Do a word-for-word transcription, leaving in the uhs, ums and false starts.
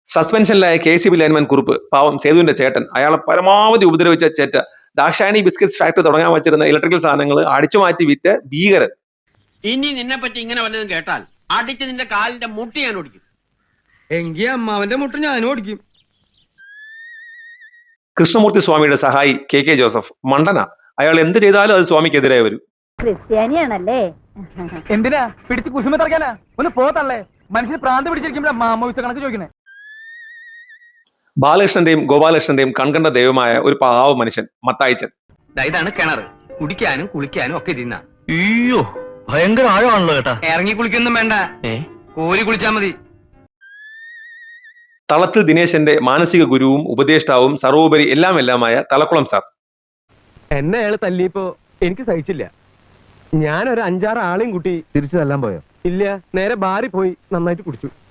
സസ്പെൻഷനിലായ K C B lineman Kurup പാവം സേതുവിന്റെ ചേട്ടൻ അയാളെ പരമാവധി ഉപദ്രവിച്ച ചേറ്റ ദാക്ഷായണി ബിസ്ക്കറ്റ്സ് ഫാക്ടറി തുടങ്ങാൻ വെച്ചിരുന്ന ഇലക്ട്രിക്കൽ സാധനങ്ങൾ അടിച്ചു മാറ്റി വിറ്റ് ഭീകരൻ. ഇനി നിന്നെ പറ്റി ഇങ്ങനെ വല്ലതും കേട്ടാൽ അടിച്ച് നിന്റെ കാലിന്റെ മുട്ടി ഞാൻ ഓടിക്കും. എങ്കിൽ അമ്മാവന്റെ മുട്ട ഞാനും ഓടിക്കും. കൃഷ്ണമൂർത്തി സ്വാമിയുടെ സഹായി കെ കെ ജോസഫ് മണ്ടന. അയാൾ എന്ത് ചെയ്താലും അത് സ്വാമിക്കെതിരെ വരും. ക്രിസ്ത്യാനിയാണല്ലേ? എന്തിനാ പിടിച്ച് കുശുമ തറക്കാനാ? ഒന്ന് പോത്തല്ലേ, മനുഷ്യന് പ്രാന്ത് പിടിച്ചിരിക്കുമ്പോഴാ മാമോയിസ കണക്ക് ചോദിക്കണേ. ബാലകൃഷ്ണന്റെയും ഗോപാലകൃഷ്ണന്റെയും കൺകണ്ട ദൈവമായ ഒരു പാവ മനുഷ്യൻ മത്തായിച്ചൻ. ഇതാണ് കിണർ, കുടിക്കാനും കുളിക്കാനും ഒക്കെ ഇരുന്ന. അയ്യോ ഭയങ്കര ആഴമാണല്ലോ കേട്ടാ. ഇറങ്ങി കുളിക്കൊന്നും വേണ്ട, കോരി കുളിച്ചാ മതി. തളത്തിൽ ദിനേശന്റെ മാനസിക ഗുരുവും ഉപദേഷ്ടാവും സർവോപരി എല്ലാം എല്ലാമായ തലക്കുളം സാർ. എന്നെ അയാൾ തല്ലിയപ്പോ എനിക്ക് സഹിച്ചില്ല. ഞാനൊരു അഞ്ചാറ് ആളെയും കൂട്ടി തിരിച്ചു തല്ലാൻ പോയോ? ഇല്ല, നേരെ ബാറി പോയി നന്നായിട്ട് കുടിച്ചു.